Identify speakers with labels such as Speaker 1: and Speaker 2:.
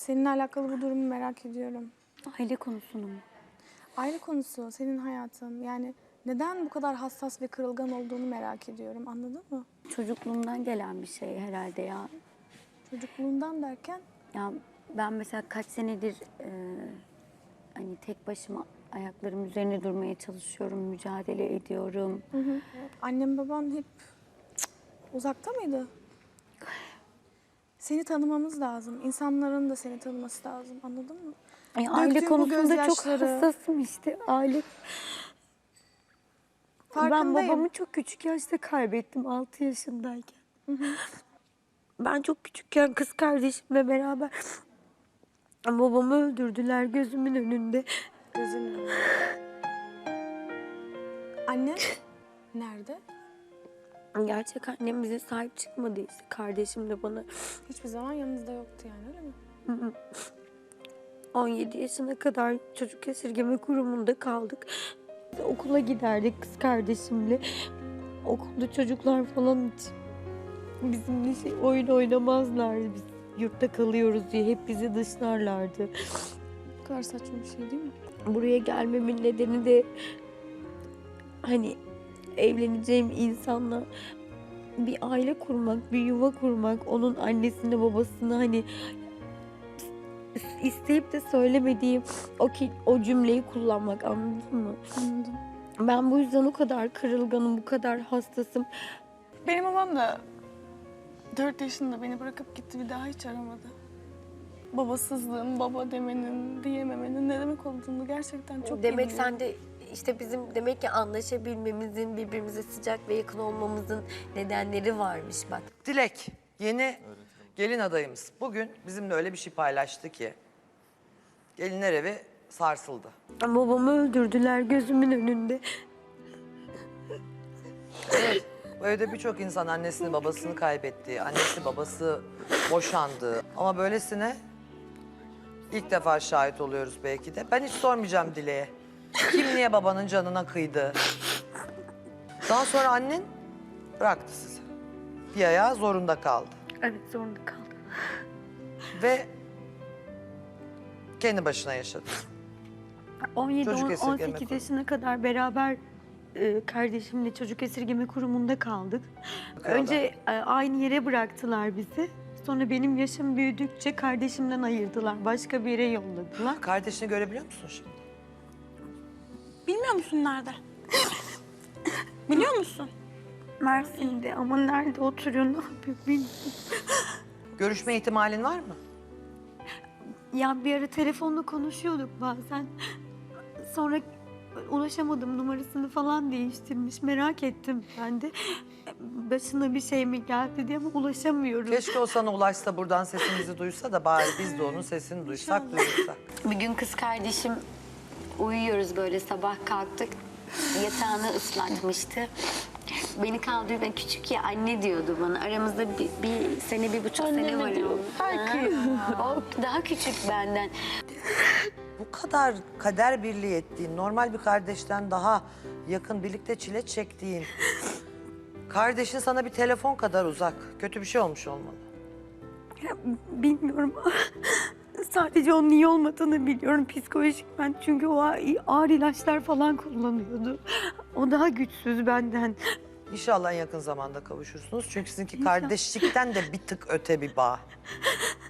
Speaker 1: Seninle alakalı bu durumu merak ediyorum.
Speaker 2: Aile konusunu mu?
Speaker 1: Aile konusu, senin hayatın. Yani neden bu kadar hassas ve kırılgan olduğunu merak ediyorum. Anladın mı?
Speaker 2: Çocukluğumdan gelen bir şey herhalde ya.
Speaker 1: Çocukluğundan derken
Speaker 2: Ya ben mesela kaç senedir hani tek başıma ayaklarım üzerine durmaya çalışıyorum, mücadele ediyorum.
Speaker 1: annem baban hep uzakta mıydı? Seni tanımamız lazım. İnsanların da seni tanıması lazım. Anladın mı?
Speaker 2: Aile
Speaker 1: Döktüğün bu
Speaker 2: konusunda çok
Speaker 1: gözyaşları-
Speaker 2: hassasım işte. Aile. Ben
Speaker 1: Farkındayım.
Speaker 2: babamı çok küçük yaşta kaybettim 6 yaşındayken. Ben çok küçükken kız kardeşimle beraber babamı öldürdüler gözümün önünde.
Speaker 1: Gözünün önünde. Annen nerede?
Speaker 2: Gerçek annem bize sahip çıkmadı işte. Kardeşim de bana
Speaker 1: Hiçbir zaman yanınızda yoktu yani öyle mi?
Speaker 2: 17 yaşına kadar çocuk esirgeme kurumunda kaldık. Okula giderdik kız kardeşimle. Okulda çocuklar falan hiç bizimle oyun oynamazlardı. Biz yurtta kalıyoruz diye hep bizi dışlarlardı.
Speaker 1: Bu kadar saçma bir şey değil mi?
Speaker 2: Buraya gelmemin nedeni de hani evleneceğim insanla bir aile kurmak, bir yuva kurmak, onun annesini babasını hani isteyip de söylemediğim o cümleyi kullanmak, anladın mı?
Speaker 1: Anladım.
Speaker 2: Ben bu yüzden o kadar kırılganım, bu kadar hassasım.
Speaker 1: Benim babam da 4 yaşında beni bırakıp gitti, bir daha hiç aramadı. Babasızlığın, baba demenin, diyememenin ne demek olduğunu gerçekten çok
Speaker 3: Demek
Speaker 1: iyi
Speaker 3: sen de işte bizim demek ki anlaşabilmemizin, birbirimize sıcak ve yakın olmamızın nedenleri varmış bak.
Speaker 4: Dilek, yeni gelin adayımız. Bugün bizimle öyle bir şey paylaştı ki gelinler evi sarsıldı.
Speaker 2: Babamı öldürdüler gözümün önünde.
Speaker 4: Evet, bu evde birçok insan annesini babasını kaybetti, annesi babası boşandı. Ama böylesine ilk defa şahit oluyoruz belki de. Ben hiç sormayacağım Dilek'e. Kim niye babanın canına kıydı? Daha sonra annen bıraktı sizi. Bir ayağı zorunda kaldı.
Speaker 2: Evet, zorunda kaldım.
Speaker 4: Ve kendi başına yaşadı. Çocuk esirgeme
Speaker 2: 17-18
Speaker 4: kurumu.
Speaker 2: yaşına kadar beraber kardeşimle çocuk esirgeme kurumunda kaldık. Önce aynı yere bıraktılar bizi. Sonra benim yaşım büyüdükçe kardeşimden ayırdılar. Başka bir yere yolladılar.
Speaker 4: Kardeşini görebiliyor musun şimdi?
Speaker 1: Bilmiyor musun nerede? Biliyor musun?
Speaker 2: Mersin'de ama nerede oturuyor, ne yapıyor bilmiyorum.
Speaker 4: Görüşme ihtimalin var mı?
Speaker 2: Ya bir ara telefonla konuşuyorduk bazen. Sonra ulaşamadım, numarasını falan değiştirmiş. Merak ettim ben de. Başına bir şey mi geldi diye ama ulaşamıyorum.
Speaker 4: Keşke o sana ulaşsa, buradan sesimizi duysa da bari biz de onun sesini duysak, duyursak.
Speaker 3: Bir gün kız kardeşim uyuyoruz böyle sabah kalktık. Yatağını ıslatmıştı. Beni kaldırdı, küçük ya anne diyordu bana. Aramızda bir sene, 1,5 sene var. O daha küçük benden.
Speaker 4: Bu kadar kader birliği ettiğin, normal bir kardeşten daha yakın, birlikte çile çektiğin... Kardeşin sana bir telefon kadar uzak. Kötü bir şey olmuş olmalı.
Speaker 2: Ya, bilmiyorum. Sadece onun iyi olmadığını biliyorum psikolojik ben. Çünkü o ağır ilaçlar falan kullanıyordu. O daha güçsüz benden.
Speaker 4: İnşallah en yakın zamanda kavuşursunuz. Çünkü sizinki kardeşlikten de bir tık öte bir bağ.